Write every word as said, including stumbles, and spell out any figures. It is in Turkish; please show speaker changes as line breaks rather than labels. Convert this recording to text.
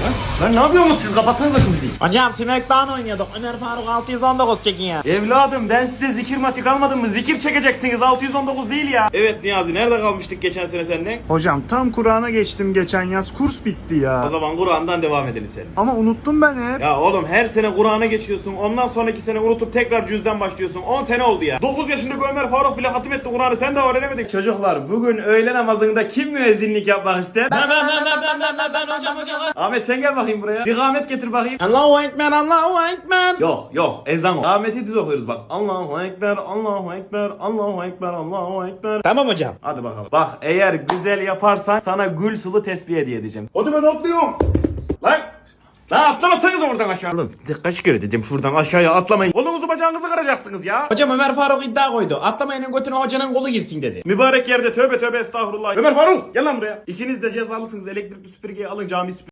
Lan ne yapıyorsunuz siz? Kapatsanıza şu müziği.
Hocam Smackdown oynuyorduk. Ömer Faruk altı yüz on dokuz çekiyor.
Evladım ben size zikir matik almadım mı? Zikir çekeceksiniz, altı yüz on dokuz değil ya. Evet Niyazi, nerede kalmıştık geçen sene senden?
Hocam tam Kur'an'a geçtim geçen yaz. Kurs bitti ya.
O zaman Kur'an'dan devam edelim senin.
Ama unuttum ben hep.
Ya oğlum her sene Kur'an'a geçiyorsun. Ondan sonraki sene unutup tekrar cüzden başlıyorsun. on sene oldu ya. dokuz yaşındaki Ömer Faruk bile hatim etti Kur'an'ı. Sen de öğrenemedin. Çocuklar bugün öğle namazında kim müezzinlik yapmak ister?
Ben ben ben ben ben ben ben ben hocam hocam.
Ahmet sen gel bakayım buraya. Bir kâhmet getir bakayım.
Allahu Ekber Allahu Ekber.
Yok yok ezan o. Kâhmeti düz okuyoruz bak. Allahu Ekber, Allahu Ekber, Allahu Ekber, Allahu Ekber.
Tamam hocam.
Hadi bakalım. Bak eğer güzel yaparsan sana gül sılı tesbih hediye edeceğim.
Hadi ben atlıyorum.
Lan! Lan atlamasanız oradan aşağı. Oğlum kaç kere dedim şuradan aşağıya atlamayın. Kolunuzu bacağınızı kıracaksınız ya.
Hocam Ömer Faruk iddia koydu. Atlamayının götüne hocanın kolu girsin dedi.
Mübarek yerde tövbe tövbe estağfurullah. Ömer Faruk gel lan buraya. İkiniz de cezalısınız. Elektrikli süpürgeyi alın cami süpürgeyi.